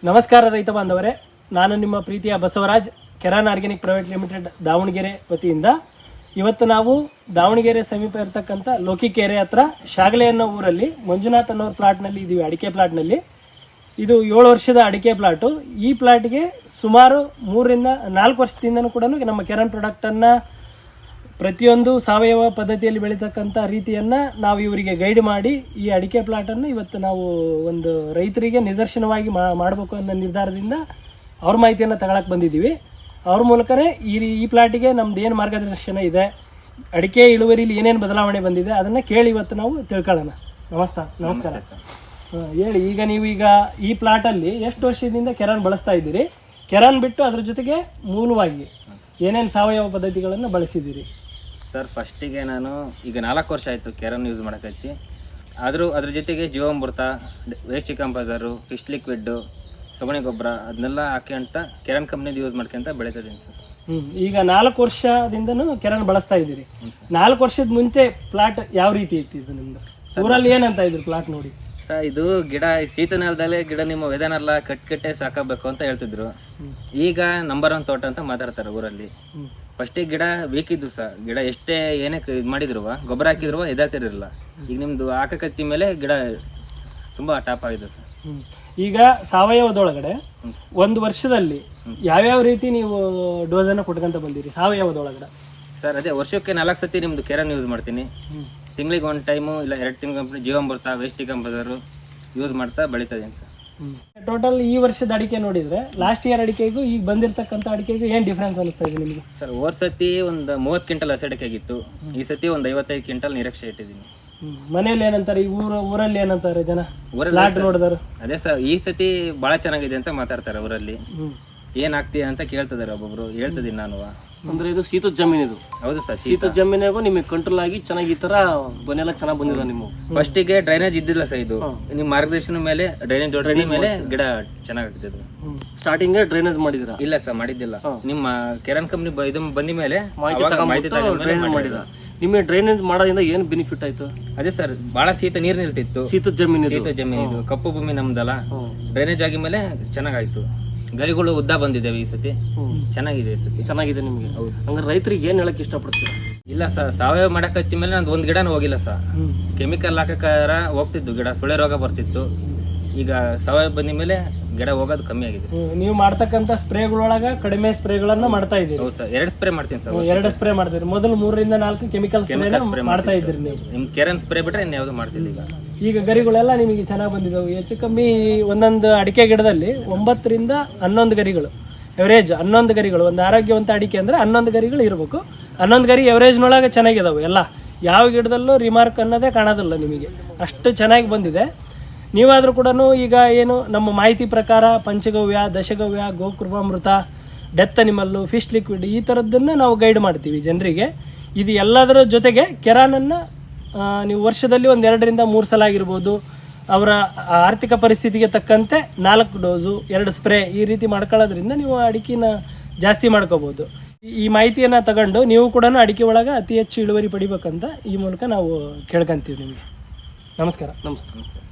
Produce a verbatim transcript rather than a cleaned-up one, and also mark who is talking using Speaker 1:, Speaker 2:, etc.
Speaker 1: ನಮಸ್ಕಾರ ರೈತ ಬಾಂಧವರೇ, ನಾನು ನಿಮ್ಮ ಪ್ರೀತಿಯ Basavaraj, Keran organic private limited Davanagere ವತಿಯಿಂದ ಇವತ್ತು ನಾವು ದಾವಣಗೆರೆ ಸಮೀಪ ಇರತಕ್ಕಂಥ ಲೋಕಿಕೆರೆ ಹತ್ರ ಶಾಗಲೆ ಅನ್ನೋ ಊರಲ್ಲಿ ಮಂಜುನಾಥ್ ಅನ್ನೋರ ಪ್ಲಾಟ್ನಲ್ಲಿ ಇದ್ದೀವಿ. ಅಡಿಕೆ ಪ್ಲಾಟ್ನಲ್ಲಿ ಇದು ಏಳು ವರ್ಷದ ಅಡಿಕೆ ಪ್ಲಾಟು. ಈ ಪ್ಲಾಟ್ಗೆ ಸುಮಾರು ಮೂರರಿಂದ ನಾಲ್ಕು ವರ್ಷದಿಂದನೂ ಕೂಡ ನಮ್ಮ ಕೆರಾನ್ ಪ್ರಾಡಕ್ಟನ್ನು ಪ್ರತಿಯೊಂದು ಸಾವಯವ ಪದ್ಧತಿಯಲ್ಲಿ ಬೆಳೀತಕ್ಕಂಥ ರೀತಿಯನ್ನು ನಾವು ಇವರಿಗೆ ಗೈಡ್ ಮಾಡಿ ಈ ಅಡಿಕೆ ಪ್ಲಾಟನ್ನು ಇವತ್ತು ನಾವು ಒಂದು ರೈತರಿಗೆ ನಿದರ್ಶನವಾಗಿ ಮಾಡಬೇಕು ಅನ್ನೋ ನಿರ್ಧಾರದಿಂದ ಅವ್ರ ಮಾಹಿತಿಯನ್ನು ತಗೊಳಕ್ಕೆ ಬಂದಿದ್ದೀವಿ. ಅವ್ರ ಮೂಲಕನೇ ಈ ಈ ಪ್ಲಾಟಿಗೆ ನಮ್ದು ಏನು ಮಾರ್ಗದರ್ಶನ ಇದೆ, ಅಡಿಕೆ ಇಳುವರಿಲಿ ಏನೇನು ಬದಲಾವಣೆ ಬಂದಿದೆ ಅದನ್ನು ಕೇಳಿ ಇವತ್ತು ನಾವು ತಿಳ್ಕೊಳ್ಳೋಣ. ನಮಸ್ಕಾರ ನಮಸ್ಕಾರ ಹಾಂ, ಹೇಳಿ. ಈಗ ನೀವು ಈಗ ಈ ಪ್ಲಾಟಲ್ಲಿ ಎಷ್ಟು ವರ್ಷದಿಂದ ಕೆರಾನ್ ಬಳಸ್ತಾ ಇದ್ದೀರಿ? ಕೆರಾನ್ ಬಿಟ್ಟು ಅದ್ರ ಜೊತೆಗೆ ಮೂಲವಾಗಿ ಏನೇನು ಸಾವಯವ ಪದ್ಧತಿಗಳನ್ನು ಬಳಸಿದ್ದೀರಿ?
Speaker 2: ಸರ್, ಫಸ್ಟಿಗೆ ನಾನು ಈಗ ನಾಲ್ಕು ವರ್ಷ ಆಯಿತು ಕೆರಾನ್ ಯೂಸ್ ಮಾಡೋಕತ್ತಿ. ಆದರೂ ಅದ್ರ ಜೊತೆಗೆ ಜೀವಾಮೃತ, ವೇಸ್ಟ್ ಕಂಪೋಸರು, ಫಿಶ್ ಲಿಕ್ವಿಡ್ಡು, ಸಗಣಿ ಗೊಬ್ಬರ ಅದನ್ನೆಲ್ಲ ಹಾಕಿ ಅಂತ ಕೆರಾನ್ ಕಂಪ್ನಿದು ಯೂಸ್ ಮಾಡ್ಕೊಂತ ಬೆಳೀತಿದ್ದೀನಿ ಸರ್.
Speaker 1: ಹ್ಞೂ ಈಗ ನಾಲ್ಕು ವರ್ಷದಿಂದನೂ ಕೆರಾನ್ ಬಳಸ್ತಾ ಇದ್ದೀರಿ. ನಾಲ್ಕು ವರ್ಷದ ಮುಂಚೆ ಪ್ಲಾಟ್ ಯಾವ ರೀತಿ ಇತ್ತು ಇದು ನಿಮ್ಮದು? ಊರಲ್ಲಿ ಏನಂತ ಇದ್ರು ಪ್ಲಾಟ್ ನೋಡಿ?
Speaker 2: ಸರ್, ಇದು ಗಿಡ ಶೀತ ನೆಲದಲ್ಲೇ ಗಿಡ ನಿಮ್ಮ ವೆದನೆಲ್ಲ ಕಟ್ ಕಟ್ಟೆ ಸಾಕಬೇಕು ಅಂತ ಹೇಳ್ತಿದ್ರು. ಈಗ ನಂಬರ್ ಒನ್ ತೋಟ ಅಂತ ಮಾತಾಡ್ತಾರೆ ಊರಲ್ಲಿ. ಫಸ್ಟಿಗೆ ಗಿಡ ವೀಕ್ ಇದ್ದು ಸರ್, ಗಿಡ ಎಷ್ಟೇ ಏನೇ ಇದು ಮಾಡಿದ್ರು ಗೊಬ್ಬರ ಹಾಕಿದ್ರು ಇದಾಗ್ತಿರಲಿಲ್ಲ. ಈಗ ನಿಮ್ಮದು ಹಾಕಕತ್ತಿ ಮೇಲೆ ಗಿಡ ತುಂಬ ಟಾಪ್ ಆಗಿದೆ ಸರ್.
Speaker 1: ಈಗ ಸಾವಯವದೊಳಗಡೆ ಒಂದು ವರ್ಷದಲ್ಲಿ ಯಾವ್ಯಾವ ರೀತಿ ನೀವು ಡೋಸನ್ನು ಕೊಟ್ಕೊಂತ ಬಂದಿರಿ ಸಾವಯವದೊಳಗಡೆ?
Speaker 2: ಸರ್, ಅದೇ ವರ್ಷಕ್ಕೆ ನಾಲ್ಕು ಸತಿ ನಿಮ್ಮದು ಕೆರಾನ್ ಯೂಸ್ ಮಾಡ್ತೀನಿ. ತಿಂಗಳಿಗೆ ಒಂದು ಟೈಮು ಇಲ್ಲ ಎರಡು ತಿಂಗಳ ಕಂಪ್ನಿ ಜೀವಾಮೃತ, ವೇಸ್ಟ್ ಕಂಪೋಸರು ಯೂಸ್ ಮಾಡ್ತಾ ಬೆಳೀತಾ ಇದ್ದೀನಿ ಸರ್.
Speaker 1: ಟೋಟಲ್ ಈ ವರ್ಷದ ಅಡಿಕೆ ನೋಡಿದ್ರೆ ಲಾಸ್ಟ್ ಇಯರ್ ಅಡಿಕೆಗೂ ಈಗ ಬಂದಿರತಕ್ಕಂಥ ಅಡಿಕೆಗೂ ಏನು ಡಿಫ್ರೆನ್ಸ್ ಅನಿಸ್ತಾ ಇದೆ ನಿಮಗೆ?
Speaker 2: ಸರ್, ಹೋದ ಸತಿ ಒಂದು ಮೂವತ್ತು ಕ್ವಿಂಟಲ್ ಹಸಿ ಅಡಿಕೆ ಆಗಿತ್ತು. ಈ ಸತಿ ಒಂದು ಐವತ್ತೈದು ಕ್ವಿಂಟಲ್ ನಿರೀಕ್ಷೆ ಇಟ್ಟಿದ್ದೀನಿ.
Speaker 1: ಮನೇಲಿ ಏನಂತಾರೆ, ಈ ಊರ ಊರಲ್ಲಿ ಏನಂತಾರೆ ಜನ ಊರಲ್ಲಿ ನೋಡಿದಾರೆ?
Speaker 2: ಅದೇ ಸರ್, ಈ ಸತಿ ಭಾಳ ಚೆನ್ನಾಗಿದೆ ಅಂತ ಮಾತಾಡ್ತಾರೆ ಊರಲ್ಲಿ. ಏನ್ ಆಗ್ತೀಯ ಅಂತ ಕೇಳ್ತಿದಾರೆ ಒಬ್ಬೊಬ್ರು. ಹೇಳ್ತಿದ್ದೀನಿ ನಾನು.
Speaker 3: ಅಂದ್ರೆ ಇದು ಶೀತದ ಜಮೀನು ಇದು.
Speaker 2: ಹೌದು ಸರ್,
Speaker 3: ಶೀತದ ಜಮೀನಾಗೂ ನಿಮಗೆ ಕಂಟ್ರೋಲ್ ಆಗಿ ಚೆನ್ನಾಗಿ ಈ ತರ ಬನ್ನೆಲ್ಲ ಚೆನ್ನಾಗಿ ಬಂದಿಲ್ಲ ನಿಮ್ಮ.
Speaker 2: ಫಸ್ಟಿಗೆ ಡ್ರೈನೇಜ್ ಇದ್ದಿಲ್ಲ ಸರ್. ಇದು ನಿಮ್ಮ ಮಾರ್ಗದರ್ಶನ ಮೇಲೆ ಡ್ರೈನೇಜ್ ಜೋಡಿಸಿದ ಮೇಲೆ ಗಿಡ ಚೆನ್ನಾಗಾಗ್ತಿದ್ರು.
Speaker 3: ಸ್ಟಾರ್ಟಿಂಗ್ ಡ್ರೈನೇಜ್ ಮಾಡಿದ್ರ?
Speaker 2: ಇಲ್ಲ ಸರ್, ಮಾಡಿದ್ದಿಲ್ಲ. ನಿಮ್ಮ ಕೆರಾನ್ ಕಂಪ್ನಿ ಇದು ಬಂದ ಮೇಲೆ
Speaker 3: ಮಾಹಿತಿ ಮಾಡಿದ. ನಿಮಗೆ ಡ್ರೈನೇಜ್ ಮಾಡೋದ್ರಿಂದ ಏನ್ ಬೆನಿಫಿಟ್ ಆಯ್ತು?
Speaker 2: ಅದೇ ಸರ್, ಬಹಳ ಶೀತ ನೀರ್ ನಿಲ್ತಿತ್ತು.
Speaker 3: ಶೀತದ ಜಮೀನು
Speaker 2: ಶೀತ ಜಮೀನು ಇದು, ಕಪ್ಪು ಭೂಮಿ ನಮ್ದಲ್ಲ. ಡ್ರೈನೇಜ್ ಆಗಿ ಮೇಲೆ ಚೆನ್ನಾಗಾಯ್ತು. ಗರಿಗಳು ಉದ್ದ ಬಂದಿದ್ದಾವೆ ಈ ಸತಿ. ಚೆನ್ನಾಗಿದೆ ಈ ಸತಿ.
Speaker 3: ಚೆನ್ನಾಗಿದೆ ನಿಮಗೆ? ಹೌದು. ಹಂಗಾರೆ ರೈತರಿಗೆ ಏನ್ ಹೇಳಕ್ ಇಷ್ಟಪಡ್ತೀರಾ?
Speaker 2: ಇಲ್ಲ ಸರ್, ಸಾವಯವ ಮಾಡಕ್ ಹಚ್ಚಿ ಮೇಲೆ ನಂದು ಒಂದ್ ಗಿಡನೂ ಹೋಗಿಲ್ಲ ಸರ್. ಕೆಮಿಕಲ್ ಹಾಕಕಾರ ಹೋಗ್ತಿದ್ದು ಗಿಡ, ಸುಳೆ ರೋಗ ಬರ್ತಿತ್ತು. ಈಗ ಸಾವಯವ ಬಂದ ಮೇಲೆ ಗಿಡ ಹೋಗೋದು ಕಮ್ಮಿ ಆಗಿದೆ.
Speaker 1: ನೀವು ಮಾಡ್ತಕ್ಕಂಥ ಸ್ಪ್ರೇಗಳೊಳಗ ಕಡಿಮೆ ಸ್ಪ್ರೇಗಳನ್ನ ಮಾಡ್ತಾ ಇದ್ದೀರಿ?
Speaker 2: ಹೌದು ಸರ್, ಎರಡು ಸ್ಪ್ರೇ ಮಾಡ್ತೀನಿ ಸರ್.
Speaker 1: ಎರಡು ಸ್ಪ್ರೇ ಮಾಡ್ತೀರಿ. ಮೊದಲು ಮೂರರಿಂದ ನಾಲ್ಕು ಕೆಮಿಕಲ್ ಸ್ಪ್ರೇ ಮಾಡ್ತಾ ಇದ್ದೀರಿ ನೀವು.
Speaker 2: ನಿಮ್ ಕೆರಾನ್ ಸ್ಪ್ರೇ ಬಿಟ್ರೆ ಇನ್ನು ಯಾವ್ದು ಮಾಡ್ತಿಲ್ಲ. ಈಗ
Speaker 1: ಈಗ ಗರಿಗಳೆಲ್ಲ ನಿಮಗೆ ಚೆನ್ನಾಗಿ ಬಂದಿದ್ದಾವೆ. ಹೆಚ್ಚು ಕಮ್ಮಿ ಒಂದೊಂದು ಅಡಿಕೆ ಗಿಡದಲ್ಲಿ ಒಂಬತ್ತರಿಂದ ಹನ್ನೊಂದು ಗರಿಗಳು ಎವರೇಜ್. ಹನ್ನೊಂದು ಗರಿಗಳು ಒಂದು ಆರೋಗ್ಯವಂತ ಅಡಿಕೆ ಅಂದ್ರೆ ಹನ್ನೊಂದು ಗರಿಗಳು ಇರಬೇಕು. ಹನ್ನೊಂದು ಗರಿ ಎವರೇಜ್ನೊಳಗೆ ಚೆನ್ನಾಗಿದಾವೆ ಎಲ್ಲ. ಯಾವ ಗಿಡದಲ್ಲೂ ರಿಮಾರ್ಕ್ ಅನ್ನೋದೇ ಕಾಣೋದಿಲ್ಲ ನಿಮಗೆ, ಅಷ್ಟು ಚೆನ್ನಾಗಿ ಬಂದಿದೆ. ನೀವಾದರೂ ಕೂಡ ಈಗ ಏನು ನಮ್ಮ ಮಾಹಿತಿ ಪ್ರಕಾರ ಪಂಚಗವ್ಯ, ದಶಗವ್ಯ, ಗೋಕೃಪಾಮೃತ, ಡೆತ್ ಅನಿಮಲ್ಲು, ಫಿಶ್ ಲಿಕ್ವಿಡ್ ಈ ಥರದ್ದನ್ನು ನಾವು ಗೈಡ್ ಮಾಡ್ತೀವಿ ಜನರಿಗೆ. ಇದು ಎಲ್ಲದರ ಜೊತೆಗೆ ಕೆರಾನನ್ನು ನೀವು ವರ್ಷದಲ್ಲಿ ಒಂದು ಎರಡರಿಂದ ಮೂರು ಸಲ ಆಗಿರ್ಬೋದು, ಅವರ ಆರ್ಥಿಕ ಪರಿಸ್ಥಿತಿಗೆ ತಕ್ಕಂತೆ ನಾಲ್ಕು ಡೋಸು, ಎರಡು ಸ್ಪ್ರೇ ಈ ರೀತಿ ಮಾಡ್ಕೊಳ್ಳೋದ್ರಿಂದ ನೀವು ಅಡಿಕೆನ ಜಾಸ್ತಿ ಮಾಡ್ಕೋಬೋದು. ಈ ಮಾಹಿತಿಯನ್ನು ತಗೊಂಡು ನೀವು ಕೂಡ ಅಡಿಕೆ ಒಳಗೆ ಅತಿ ಹೆಚ್ಚು ಇಳುವರಿ ಪಡಿಬೇಕಂತ ಈ ಮೂಲಕ ನಾವು ಕೇಳ್ಕೊಂತೀವಿ ನಿಮಗೆ. ನಮಸ್ಕಾರ.
Speaker 3: ನಮಸ್ಕಾರ.